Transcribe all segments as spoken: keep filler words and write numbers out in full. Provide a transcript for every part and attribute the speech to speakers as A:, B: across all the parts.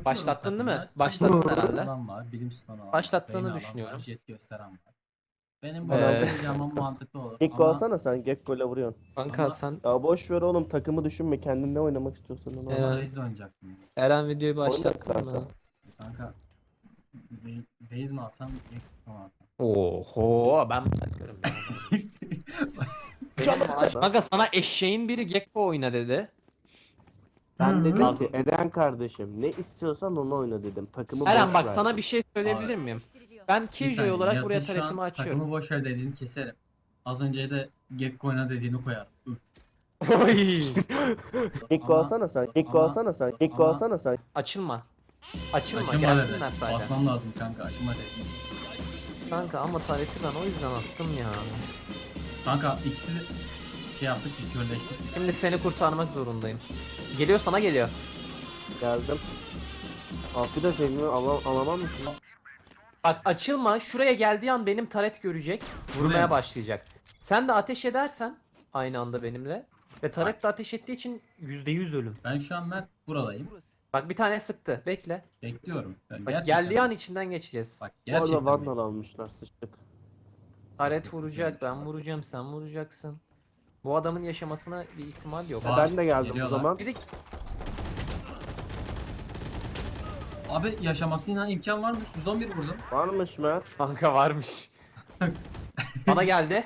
A: Başlattın değil mi?
B: takımda.
A: Başlattın
B: Çift
A: herhalde.
B: adam var, bilim stonu var.
A: Başlattığını
B: Reyna adam
A: düşünüyorum.
B: Var, jet gösteren var. Benim
A: Ee,
B: bunu yapmam mantıklı olur.
C: Gekko
B: Ama,
C: alsana sen. Gekko'yla vuruyorsun.
A: Kanka
B: Ama-
A: sen
C: Ya boş ver oğlum, takımı düşünme. Kendin ne oynamak istiyorsan onu.
A: Evet.
C: oyna.
B: ama Reis oynayacaktım.
A: Eren videoyu
C: Oyna
A: başlattın
C: kanka.
A: mı?
B: Kanka Re- Reis mi alsam, Gekko mu alsam?
A: Oho ben bırakıyorum ya. Benim maaş- Kanka sana eşeğin biri Gekko oyna dedi.
C: Ben dedim
A: Lazım.
C: ki Eren kardeşim ne istiyorsan onu oyna dedim. Takımı
A: Eren
C: boş
A: bak
C: ver.
A: sana bir şey söyleyebilir miyim? Ben
B: Bir
A: Killjoy
B: saniye,
A: olarak
B: Nihat'ın
A: buraya
B: şu an
A: taretimi açıyorum.
B: Takımı boş ver dediğini keserim. Az önce de Gekko oyna dediğini koyar. Üf.
A: Oy.
C: Gekko
B: Ama-
C: alsana sen. Gekko
B: ama-
C: alsana sen. Gekko
B: ama-
C: alsana sen.
A: Açılma. Açılma,
B: Açılma
A: gelsinler
B: dedi.
A: sadece.
B: Basmam lazım kanka, açılma dedi.
A: Kanka ama tareti ben o yüzden attım ya.
B: Kanka ikisi şey yaptık, bir körleştik.
A: Şimdi seni kurtarmak zorundayım. Geliyor sana geliyor.
C: Geldim. Altı da sevgimi alam alamam mısın?
A: Bak açılma, şuraya geldiği an benim taret görecek, vurmaya
B: Buraya mı?
A: başlayacak. Sen de ateş edersen aynı anda benimle ve taret de ateş ettiği için yüzde yüz ölüm.
B: Ben şu an Mert buradayım.
A: Bak bir tane sıktı, bekle.
B: Bekliyorum. Ben
A: Bak
B: gerçekten-
A: geldiği an içinden geçeceğiz.
B: Bak
C: Bu arada
B: gerçekten.
C: Vandal almışlar, sıçtık.
A: Taret vuracak, ben vuracağım, sen vuracaksın. Bu adamın yaşamasına bir ihtimal yok.
B: Var.
C: Ben de geldim o
B: Geliyorlar.
C: zaman.
A: Bir de
B: Abi yaşamasına imkan varmış. yüz on bir vurdum.
C: Varmış Mert.
A: kanka varmış. Bana geldi.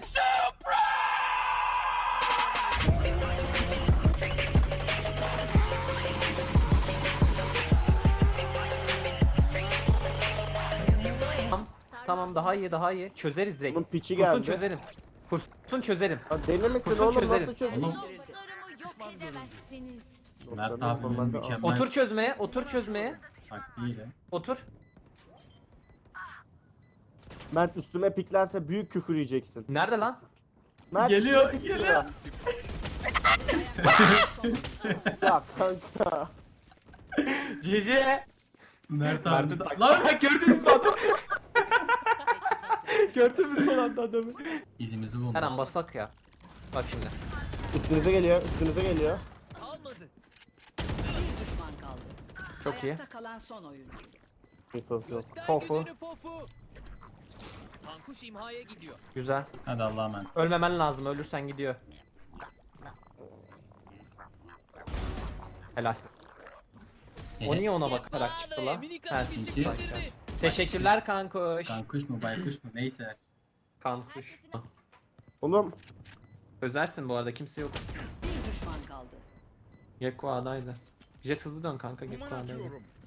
A: Tamam, tamam daha iyi daha iyi. Çözeriz direkt.
C: Bunun piçi
A: Kursun
C: geldi.
A: çözerim. Kursun çözerim.
C: Ha, deli misin
A: Kursun
C: oğlum,
A: çözerim.
C: nasıl çözüm?
B: Oğlum
D: Dostlarımı yok edemezsiniz.
B: Mert abimin mükemmel.
A: Otur çözmeye, otur çözmeye.
B: Bak iyi de.
A: Otur.
C: Mert üstüme piklerse büyük küfür yiyeceksin.
A: Nerede lan?
C: Mert
B: Geliyor,
C: üstüme
B: geliyor.
C: pikliyor. Ya kanka.
A: C C.
B: Mert
A: Mert'in
B: abimiz.
A: tak-
B: Lan
A: Gördünüz mü adamı? Gördünüz mü son anda adamı?
B: izimizi buldu.
A: Hemen basak ya. Bak şimdi.
C: Üstünüze geliyor, üstünüze geliyor.
D: Bir düşman kaldı.
A: Çok iyi.
D: Ayakta kalan son oyuncu.
C: Info yok.
A: Pofu.
E: Kankuş imhaya gidiyor.
A: Güzel.
B: Hadi Allah'a emanet.
A: Ölmemen lazım. Ölürsen gidiyor. Helal. O niye ona bakarak çıktı lan? Ha,
B: Çünkü-
A: bak ya. Teşekkürler kankuş.
B: Kankuş mu baykuş mu neyse.
A: Kankuş.
C: Oğlum
A: Özersin bu arada kimse yok.
D: Bir düşman kaldı.
A: Gekko A'daydı. Jet hızlı dön kanka Gekko A'daydı.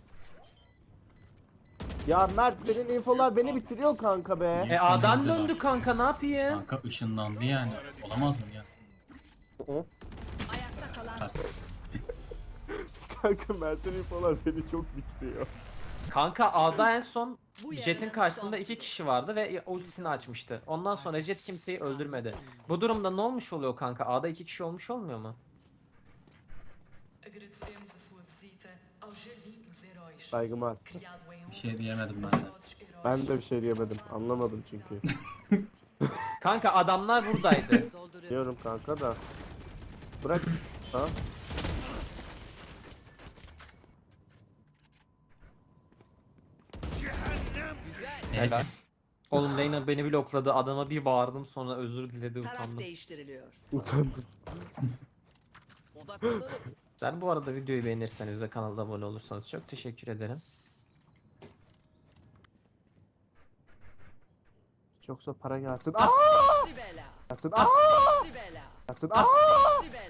C: ya Mert, senin infolar beni bitiriyor kanka be.
A: E A'dan döndü kanka ne yapayım?
B: Kanka ışınlandı yani. Olamaz mı ya?
D: Ayakta kalan
B: Ters.
C: Kanka Mert'in infolar beni çok bitiriyor.
A: Kanka A'da en son
D: Bu
A: Jet'in
D: yarının
A: karşısında
D: son
A: iki kişi vardı ve ultisini açmıştı. Ondan sonra Jet kimseyi öldürmedi. Bu durumda ne olmuş oluyor kanka? A'da iki kişi olmuş olmuyor mu?
F: Agradecemos a sua visita ao Jardim dos Heróis,
C: Saygımı arttı.
F: criado em
B: Bir şey diyemedim ben de.
F: honra aos heróis.
C: Ben de bir şey diyemedim. Anlamadım çünkü.
A: Kanka adamlar buradaydı.
D: dolduruyor.
C: Diyorum kanka da. Bırak. Ha?
A: Helal. Oğlum Leyna beni blokladı. Adama bir bağırdım sonra özür diledi
D: Taraf
A: utandım.
D: değiştiriliyor.
C: Utandım.
E: Odaklanalım.
A: Sen bu arada videoyu beğenirseniz ve kanala abone olursanız çok teşekkür ederim.
C: Çoksa para gelsin. Ah!
D: Tribela.
C: Gelsin. Ah!
D: Tribela.
C: Gelsin. Ah!
D: Tribela.